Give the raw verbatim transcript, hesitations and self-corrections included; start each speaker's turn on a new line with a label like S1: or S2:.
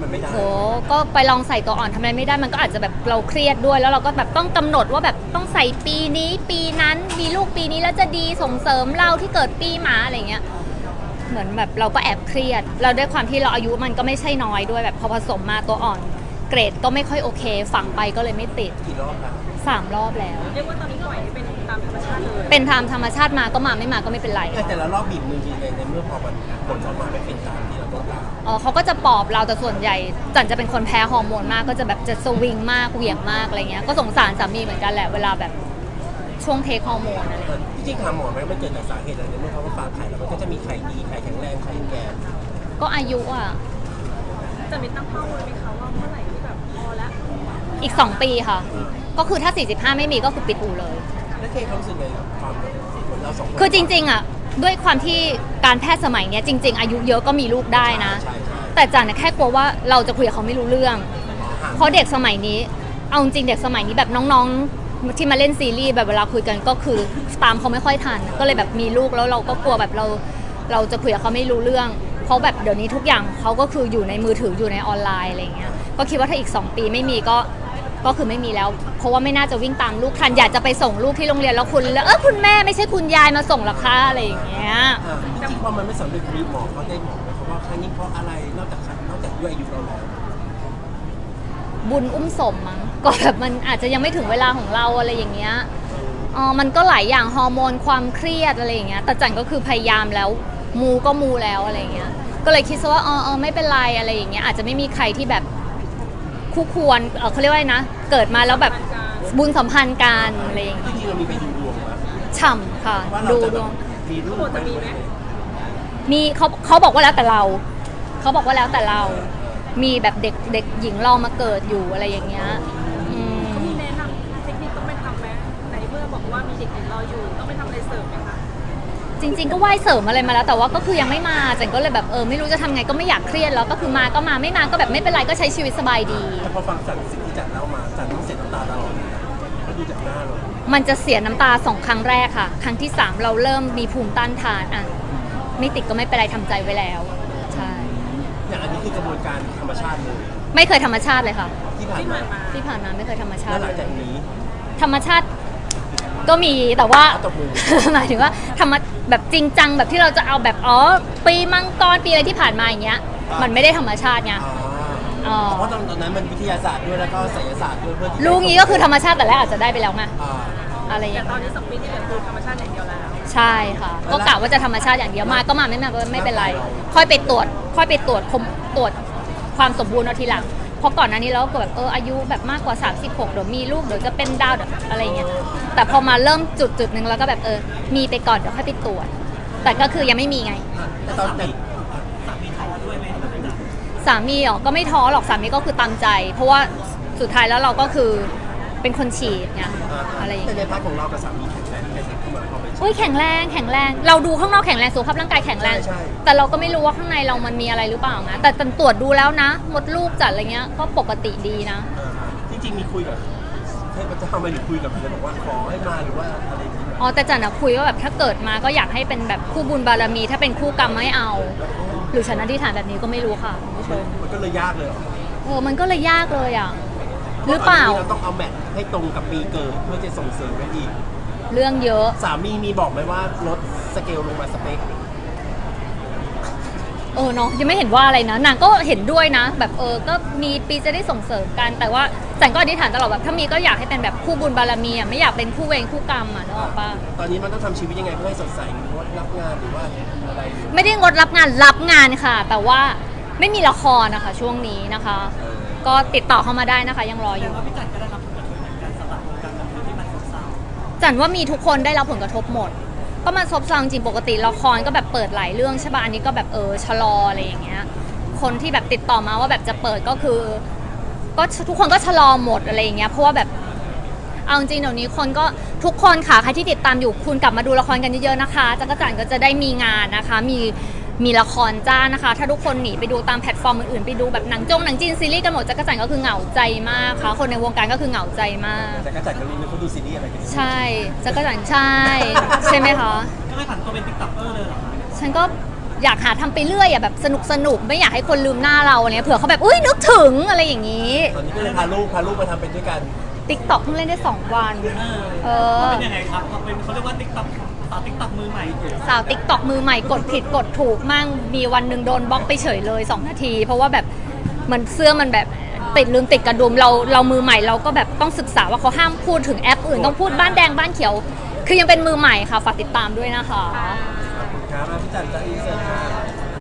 S1: มันไม่ได้
S2: โหก็ไปลองใส่ตัวอ่อนทำอะไรไม่ได้มันก็อาจจะแบบเราเครียดด้วยแล้วเราก็แบบต้องกำหนดว่าแบบต้องใส่ปีนี้ปีนั้นมีลูกปีนี้แล้วจะดีส่งเสริมเราที่เกิดปีหมาอะไรเงี้ยเหมือนแบบเราก็แอบเครียดเราด้วยความที่เราอายุมันก็ไม่ใช่น้อยด้วยแบบพอผสมมาตัวอ่อนเกรดก็ไม่ค่อยโอเคฝังไปก็เลยไม่ติด
S1: กี่รอบแล้ว
S2: สามรอบแล้ว
S3: เรียกว่าตอนนี้ปล่อยให้เป็นตามธรรมชาติเลย
S2: เป็นตามธรรมชาติมาก็มาไม่มาก็ไม่เป็นไร
S1: แต่ละรอบบีบมือทีในในเมื่อพอมันผลออกมาไม่เป็นตามที่เราต้องการ
S2: อ๋อเขาก็จะปลอบเราแต่ส่วนใหญ่จันจะเป็นคนแพ้ฮอร์โมนมากก็จะแบบจะสวิงมากเหวี่ยงมากอะไรเงี้ยก็สงสารสามีเหมือนกันแหละเวลาแบบช่วงเทคฮอร์โมนอะไร
S1: จริงๆถามหมอไหมมันเกิดจากสาเหตุอะไรในเมื่อเขาฝากไข่แล้วมันก็จะมีไข่ดีไข่แข็งแรงไข่แก่
S2: ก็อายุอ่ะ
S3: จะมีตั้งเป้าไว้ไหมคะว่าเมื่อไหร่ที่แบบพอแล้ว
S2: อีกสองปีค่ะก็คือถ้าสี่สิบห้าไม่มีก็คือปิดอู่เลย
S1: แล้วเคเขารู้สึกไงกับความเหมือนเราสองคน
S2: คือจริงๆอ่ะด้วยความที่การแพทย์สมัยเนี้ยจริงๆอายุเยอะก็มีลูกได้นะแต่จันแค่กลัวว่าเราจะคุยกับเขาไม่รู้เรื่องเพราะเด็กสมัยนี้เอาจริงเด็กสมัยนี้แบบน้องๆที่มาเล่นซีรีส์แบบเวลาคุยกันก็คือตามเขาไม่ค่อยทันก็เลยแบบมีลูกแล้วเราก็กลัวแบบเราเราจะคุยกับเขาไม่รู้เรื่องเพราะแบบเดี๋ยวนี้ทุกอย่างเขาก็คืออยู่ในมือถืออยู่ในออนไลน์อะไรเงี้ยก็คิดว่าถ้าอีกสองปีไม่มีก็ก็คือไม่มีแล้วเพราะว่าไม่น่าจะวิ่งตามลูกทันอยากจะไปส่งลูกที่โรงเรียนแล้วคุณแล้วเออคุณแม่ไม่ใช่คุณยายมาส่งหรอคะอะไรอย่างเงี้ย
S1: จริงๆพอมันไม่สำเร็จมีหมอเขาได้บอกไหมว่าครั้งนี้เพราะอะไรนอกจากนอกจากด้วยอายุเราแล้ว
S2: บุญอุ้มสมมั้งก็แบบมันอาจจะยังไม่ถึงเวลาของเราอะไรอย่างเงี้ยอ๋อมันก็หลายอย่างฮอร์โมนความเครียดอะไรอย่างเงี้ยแต่จันก็คือพยายามแล้วมูก็มูแล้วอะไรอย่างเงี้ยก็เลยคิดซะว่าอ๋อไม่เป็นไรอะไรอย่างเงี้ยอาจจะไม่มีใครที่แบบคู่ควรเออเขาเรียกว่าไงนะเกิดมาแล้วแบบบุญสัมพันธ์กันอะไรอย่างเงี้ย
S1: จริงๆเรามีไปดูดวงไหม
S2: ฉ่ำค่ะดูดวง
S1: มีรูป
S3: จะมีไหม
S2: มีเขาเขาบอกว่าแล้วแต่เราเขาบอกว่าแล้วแต่เรามีแบบเด็กเด็กหญิงรอมาเกิดอยู่อะไรอย่างเงี้ย
S3: เขามีแนะนำเทคนิคต้องไปทำไหมในเมื่อบอกว่ามีเด็กหญิงรออยู่ต้องไปทำอะไรเสริมไหมคะ
S2: จริงๆก็ไหว้เสริมอะไรมาแล้วแต่ว่าก็คือยังไม่มาจันก็เลยแบบเออไม่รู้จะทำไงก็ไม่อยากเครียดแล้วก็คือมาก็มาไม่มาก็แบบไม่เป็นไรก็ใช้ชีวิตสบายดี
S1: แต่พอฟังจันสิ่งที่จันเล่ามาจันต้องเสียน้ำตาตลอดก็ดูจากหน้าเรา
S2: มันจะเสียน้ำตาสองครั้งแรกค่ะครั้งที่สามเราเริ่มมีภูมิต้านทานอ่ะไม่ติดก็ไม่เป็นไรทำใจไว้แล้วใช่
S1: อย่างอันนี้คือกระบวนการธรรมชาติเลย
S2: ไม่เคยธรรมชาติเลยค่ะ
S1: ที่ผ่านมา
S2: ที่ผ่านมาไม่เคยธรรมชาติ
S1: แล้วหลังจากนี้
S2: ธรรมชาติก็มีแต่ว่าหมายถึงว่าทำมาแบบจริงจังแบบที่เราจะเอาแบบอ๋อปีมังกรปีอะไรที่ผ่านมาอย่างเงี้ยมันไม่ได้ธรรมชาติไง
S1: เพราะตอนนั้นมันวิทยาศาสตร์ด้วยแล้วก็ศิลปศาสตร์ด้วยเพื่อ
S2: ลูกนี้ก็คือธรรมชาติแต่แรกอาจจะได้ไปแล้วไงอะไรอย่างเงี้ย
S3: ตอนนี้สองปีที่เหลือคือธรรมชาติอย่างเดียวแล้ว
S2: ใช่ค่ะก็กะว่าจะธรรมชาติอย่างเดียวมาก็มาไม่มาก็ไม่เป็นไรค่อยไปตรวจค่อยไปตรวจคมตรวจความสมบูรณ์เอาทีหลังเพราะก่อนหน้านี้เราก็แบบเอออายุแบบมากกว่าสามสิบหกเดี๋ยวมีลูกเดี๋ยวจะเป็นดาวเดี๋ยวอะไรเงี้ยแต่พอมาเริ่มจุดจุดหนึ่งแล้วก็แบบเออมีไปก่อนเดี๋ยวค่อยไปตรวจแต่ก็คือยังไม่มีไง
S1: ตอนติด
S2: สามีท้อด้วยไหมสามีอ๋อก็ไม่ท้อหรอกสามีก็คือตามใจ เพราะว่าสุดท้ายแล้วเราก็คือเป็นคนฉีดไงอะไรอย่างเงี้ย
S1: แต่ในพาร์ทของเรากับสามีแข็งแรงแข็งแรงขึ้นมาพอไป
S2: โอ้ยแข็งแรงแข็งแรงเราดูข้างนอกแข็งแรงสุขภาพร่างกายแข็งแรงแต่เราก็ไม่รู้ว่าข้างในเรามันมีอะไรหรือเปล่านะแต่ตรวจดูแล้วนะมดลูกจัดอะไรเงี้ยก็ปกติดีนะ
S1: จริงๆมีคุยกับเทพเจ้าไหมหรือคุยกับเลยบอกว่าขอให้มาหรือว่าอะไร
S2: อ๋อแต่จันอะคุยว่าแบบถ้าเกิดมาก็อยากให้เป็นแบบคู่บุญบารมีถ้าเป็นคู่กรรมไม่เอาหรือฉันอธิษฐานแบบนี้ก็ไม่รู้ค่ะคุณผู้ชม
S1: มันก็เลยยากเลย
S2: เออมันก็เลยยากเลยอ่ะหรือเปล่า
S1: เราต้องเอาแมทให้ตรงกับปีเกิดเพื่อจะส่งเสริมได้อีก
S2: เรื่องเยอะ
S1: สามีมีบอกไหมว่าลดสเกลลงมาสเปค
S2: เออเนาะยังไม่เห็นว่าอะไรนะนางก็เห็นด้วยนะแบบเออก็มีปีจะได้ส่งเสริมกันแต่ว่าจันก็อธิษฐานตลอดแบบถ้ามีก็อยากให้เป็นแบบคู่บุญบารมีอ่ะไม่อยากเป็นคู่เวรคู่กรรมอ่ะนึกออกปะ
S1: ตอนนี้มันต้องทำชีวิตยังไงเพื่อให้สดใสหรือว่ารับงานหรือว่าอะไร
S2: ไม่ได้งดรับงานรับงานค่ะแต่ว่าไม่มีละครนะคะช่วงนี้นะคะก็ติดต่อเข้ามาได้นะคะยังรออยู่จันว่ามีทุกคนได้รับผลกระทบหมดก็มาซบเซาจริงปกติละครก็แบบเปิดหลายเรื่องใช่ป่ะอันนี้ก็แบบเออชะลออะไรอย่างเงี้ยคนที่แบบติดต่อมาว่าแบบจะเปิดก็คือก็ทุกคนก็ชะลอหมดอะไรอย่างเงี้ยเพราะว่าแบบเอาจริงเดี๋ยวนี้คนก็ทุกคนค่ะใครที่ติดตามอยู่คุณกลับมาดูละครกันเยอะๆนะคะจักรจั่นก็จะได้มีงานนะคะมีมีละครจ้านะคะถ้าทุกคนหนีไปดูตามแพลตฟอร์มอื่นๆไปดูแบบหนังจงหนังจีนซีรีส์กันหมดจักรจั่นก็คือเหงาใจมากค่ะคนในวงการก็คือเหงาใจมาก
S1: จักรจั่นก็รู้ว่าเขาดูซีรีส์อะไรกัน
S2: ใช่จักรจั่นใช่ใช่ไหมคะ
S1: ก็เลยผันตัวเป็นติ๊กต็อกเกอร์เลยเหรอ
S2: ฉันก็อยากหาทำไปเรื่อยอ่ะแบบสนุกสนุกไม่อยากให้คนลืมหน้าเราเนี่ยเผื่อเขาแบบอุ้ยนึกถึงอะไรอย่างนี้
S1: ตอนนี้ก็เลยพาลูกพาลูกมาทำเป็นด้วยกัน
S2: ติ๊กต็อกเพิ่งเล่นได้สองวันเออ
S4: เป็นยังไงครับเขาเป็นเขาเรียกว่าติ๊กต็อกสาวติ๊กต็อกมือใหม่
S2: สาวติ๊กต็อกมือใหม่กดผิดกดถูกมั่งมีวันหนึ่งโดนบล็อกไปเฉยเลยสองนาที เพราะว่าแบบมันเสื้อมันแบบติดลืมติดกระดุมเราเรามือใหม่เราก็แบบต้องศึกษาว่าเขาห้ามพูดถึงแอปอื่นต้องพูดบ้านแดงบ้านเขียว คือยังเป็นมือใหม่ค่ะฝากติดตามด้วยนะคะ
S1: ครับพี่จันจะอินเสิร์ต